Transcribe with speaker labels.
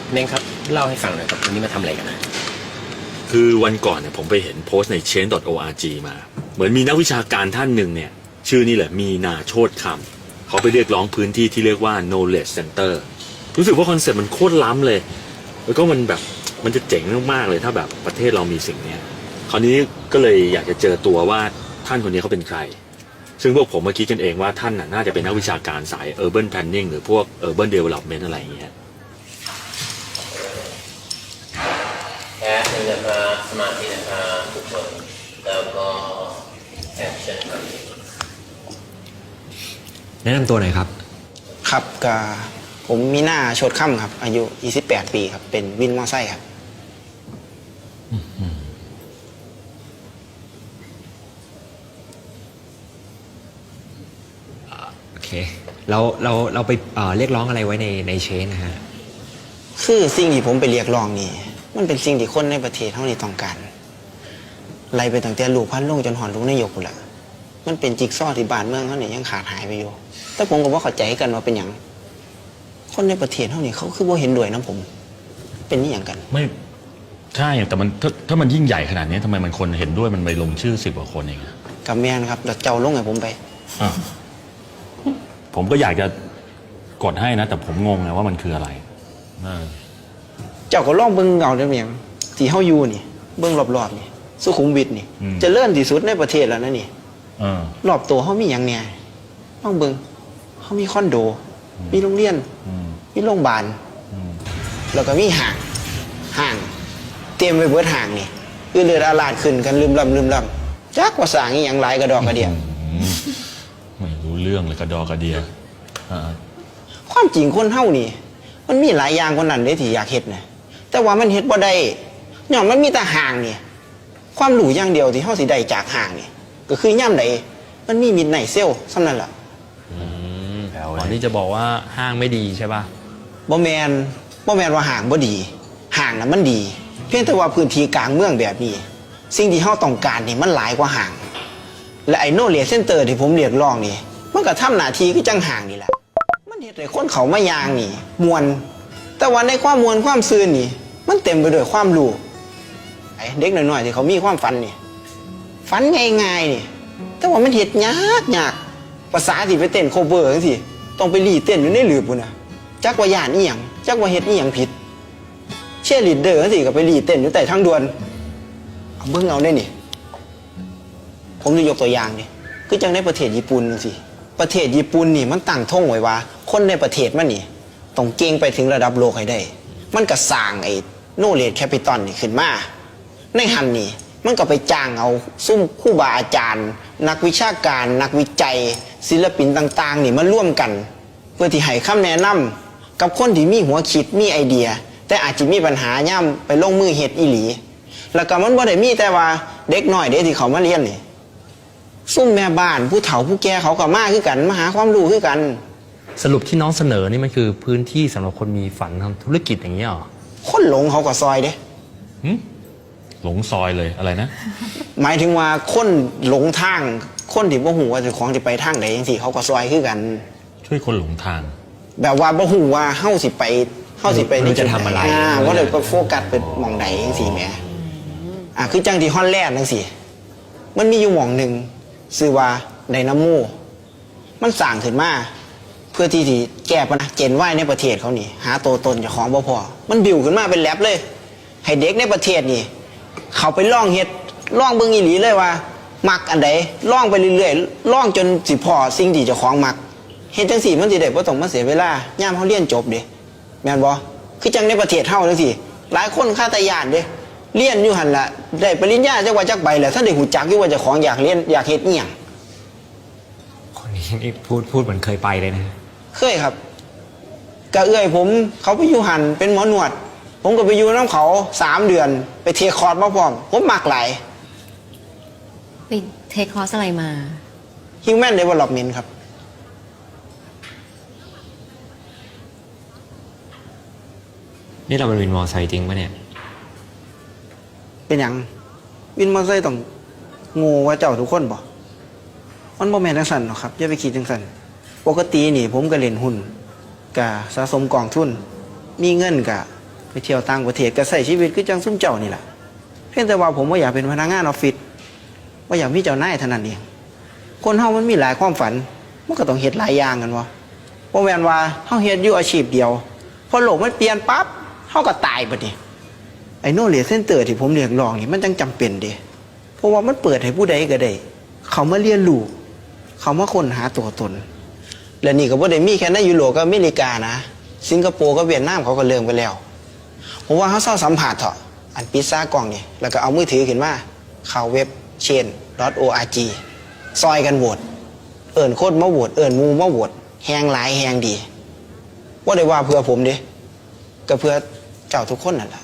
Speaker 1: เน่งครับเล่าให้ฟังหน่อยครับวันนี้มาทำอะไรกันนะ
Speaker 2: คือวันก่อนเนี่ยผมไปเห็นโพสต์ใน change.org มาเหมือนมีนักวิชาการท่านหนึ่งเนี่ยชื่อนี่แหละมีนาโชติคำเขาไปเรียกร้องพื้นที่ที่เรียกว่า knowledge center รู้สึกว่าคอนเซ็ปต์มันโคตรล้ำเลยแล้วก็มันแบบมันจะเจ๋งมากๆเลยถ้าแบบประเทศเรามีสิ่งนี้คราวนี้ก็เลยอยากจะเจอตัวว่าท่านคนนี้เขาเป็นใครซึ่งพวกผมเมื่อกี้กันเองว่าท่านน่าจะเป็นนักวิชาการสาย urban planning หรือพวก urban development อะไรอย่างเงี้ย
Speaker 1: แค่หนึ่งนะครับสมาธินะครับทุกคนแล้วก็แอคชั่นครับ
Speaker 3: แนะนำตัวหน่อยครับ
Speaker 4: ครับก็ผมมีหน้าโชดค่ำครับอายุ28 ปีครับเป็นวินมอไซค์ครับ
Speaker 3: โอเคเราไปเรียกร้องอะไรไว้ในเชนนะฮะ
Speaker 4: คือสิ่งที่ผมไปเรียกร้องนี่มันเป็นสิ่งที่คนในประเทศเท่านี้ต้องการไล่ไปตั้งแต่ลูกพันลงจนหอนลูกนายกแหละมันเป็นจิ๊กซอว์ที่บ้านเมืองเขาเนี่ยยังขาดหายไปอยู่แต่ผมก็บ่เข้าใจกันว่าเป็นอย่างคนในประเทศเท่านี้เขาคือบ่เห็นด้วยนะผมเป็นนี่อย่างกัน
Speaker 2: ไม่ใช่แต่มันถ้ามันยิ่งใหญ่ขนาดนี้ทำไมมันคนเห็นด้วยมันไปลงชื่อ10 กว่าคนเอง
Speaker 4: กับแม่นครับแล้วเจ้าลงให้ผมไป
Speaker 2: ผมก็อยากจะกดให้นะแต่ผมงงนะว่ามันคืออะไร
Speaker 4: เจ้าก็ลองเบิ่งเอาเด้อเมียงที่เฮาอยู่นี่เบิ่งรอบๆนี่สุขุมวิทนี่เจริญที่สุดในประเทศแล้วนะนี่รอบตัวเฮามีหยังแหน่ลองเบิ่งเฮามีคอนโดมีโรงเรียนมีโรงพยาบาลแล้วก็มีห้างเต็มไปเบิดห้างนี่เลือดอาลาดขึ้นกันลืมลำจักว่าสร้างอีหยังหลายกระดอกกระเดีย
Speaker 2: ไม่รู้เรื่องเลยกระดอกกระเดีย
Speaker 4: ความจริงคนเฮานี่มันมีหลายอย่างคนนั้นเด้ที่อยากเฮ็ดนะแต่ว่ามันเฮ็ดบ่ได้ย้อนมันมีแต่ห้างนี่ความรู้อย่างเดียวที่เฮาสิได้จากห้างนี่ก็คือย่ำใดมันมีมิดไนท์เซลซ้ำนั่นล่ะ
Speaker 3: ตอนนี้จะบอกว่าห้างไม่ดีใช่ป่ะ
Speaker 4: บ่แมนว่าห้างบ่ดีห้างน่ะมันดีเพียงแต่ว่าพื้นที่กลางเมืองแบบนี้สิ่งที่เฮาต้องการนี่มันหลายกว่าห้างและไอ้โนเลจเซ็นเตอร์ที่ผมเรียกร้องนี่มันก็ทำหน้าที่คือจังห้างนี่แหละมันเฮ็ดให้คนเขามายางนี่มวนแต่ว่าในความมวนความซื่นนี่มันเต็มไปด้วยความรู้ไอ้เด็กน้อยๆที่เขามีความฝันนี่ฝันง่ายๆนี่แต่ว่ามันเฮ็ดยากภาษาสิไปเต้นโคเวอร์จังซี่ต้องไปรีเต้นอยู่ในหลืบพุ่นน่ะจักว่าย่านอีหยังจักว่าเฮ็ดอีหยังผิดเชียร์ลีดเดอร์จังซี่ก็ไปรีเต้นอยู่ใต้ทางด่วนเอาเบิ่งเอาได้นี่ผมจะยกตัวอย่างนี่คือจังในประเทศญี่ปุ่นจังซี่ประเทศญี่ปุ่นนี่มันตั้งธงไว้ว่าคนในประเทศมันนี่ต้องเก่งไปถึงระดับโลกให้ได้มันก็สร้างไอ้โนเลจแคปิตอลนี่ขึ้นมาในหันนี่มันก็ไปจ้างเอาซุ่มครูบาอาจารย์นักวิชาการนักวิจัยศิลปินต่างๆนี่มาร่วมกันเพื่อที่ให้คำแนะนำกับคนที่มีหัวคิดมีไอเดียแต่อาจจะมีปัญหาย่ำไปลงมือเฮ็ดอีหลีแล้วก็มันบ่ได้มีแต่ว่าเด็กน้อยเด็กที่เขามาเรียนนี่ซุ่มแม่บ้านผู้เฒ่าผู้แก่เขาก็มาคือกันมาหาความรู้คือกัน
Speaker 3: สรุปที่น้องเสนอนี่มันคือพื้นที่สำหรับคนมีฝันทำธุรกิจอย่างนี้หรอ
Speaker 4: คนหลงเขาก็ซอยเด้
Speaker 2: หลงซอยเลยอะไรนะ
Speaker 4: หมายถึงว่าคนหลงทางคนที่บ่ฮู้ว่าเจ้าของสิไปทางใดจังซี่เขาก็ซอยคือกัน
Speaker 2: ช่วยคนหลงทาง
Speaker 4: แบบว่าบ่ฮู้ว่าเฮาสิไป
Speaker 3: ในจะทำอะไร
Speaker 4: ว่าเลยก็โฟกัสไปหม่องใดจังซี่แหมคือจังที่ฮอลแลนด์จังซี่มันมีอยู่หม่องนึงชื่อว่าไดนาโมมันสร้างขึ้นมาเพื่อที่จะแก้ปัญหาเจนว่ายในประเทศเขานี่หาตัวตนเจ้าของบ่พอมันบิวขึ้นมาเป็นแลบเลยให้เด็กในประเทศนี่เขาไปล่องเฮ็ดล่องเบิ่งอีหลีเลยว่ามักอันใดล่องไปเรื่อยๆล่องจนสิพอสิ่งที่เจ้าของมักเฮ็ดจังซี่มันสิได้บ่ต้องมาเสียเวลายามเฮาเรียนจบเด้แม่นบ่คือจังในประเทศเฮาจังซี่หลายคนคาตาญาณเด้เรียนอยู่หั่นล่ะได้ปริญญาจักว่าจักใบแล้วท่านได้ฮู้จักอยู่ว่าเจ้าของอยากเรียนอยากเฮ็ดอีหยัง
Speaker 3: คนนี้นี่พูดเหมือนเคยไปเลยนะ
Speaker 4: เคยครับกะเอื้อยผมเขาไปอยู่หันเป็นหมอหนวดผมก็ไปอยู่น้ำเขา3 เดือนไปเทคอร์สมาพร้อมผมมักหลาย
Speaker 5: ไปเทคอร์สอะไรมา
Speaker 4: Human Development ครับ
Speaker 3: นี่เราเป็นวินมอไซค์จริงปะเนี่ย
Speaker 4: เป็นอย่างวินมอไซค์ต้องงูว่าเจ้าทุกคนบ่มันบ่แม่นจังซั่นหรอกครับอย่าไปคิดจังซั่นปกตินี่ผมก็เล่นหุ้นกะสะสมกองทุนมีเงินกะไปเที่ยวต่างประเทศก็ใช้ชีวิตคือจังซุ่มเจ้านี่แหละเพียงแต่ว่าผมว่าอยากเป็นพนักงานออฟฟิศว่าอยากมีเจ้านายเท่านั้นเองคนเฮามันมีหลายความฝันมันก็ต้องเฮ็ดหลายอย่างกันวะบ่แม่นว่าเฮาเฮ็ดอยู่อาชีพเดียวพอโลกมันเปลี่ยนปั๊บเฮาก็ตายบัดนี้ไอ้โนเลจเซ็นเตอร์ที่ผมเรียกร้องนี่มันจังจำเป็นเด้เพราะว่ามันเปิดให้ผู้ใดก็ได้เขามาเรียนรู้เขามาค้นหาตัวตนและนี่ก็บ่ได้มีแค่ในยุโรปกับอเมริกานะสิงคโปร์กับเวียดนามเขาก็เริ่มไปแล้วผมว่าเขาเศร้าสัมผัสเถอะอันปิดซ่ากล่องนี่แล้วก็เอามือถือขึ้นมาเข้าเว็บ chain.org ซอยกันโหวตเอิ้นโคตรมาโหวตเอิ้นหมู่มาโหวตแฮงหลายแฮงดีว่าได้ว่าเพื่อผมเด้ก็เพื่อเจ้าทุกคนนั่นแหละ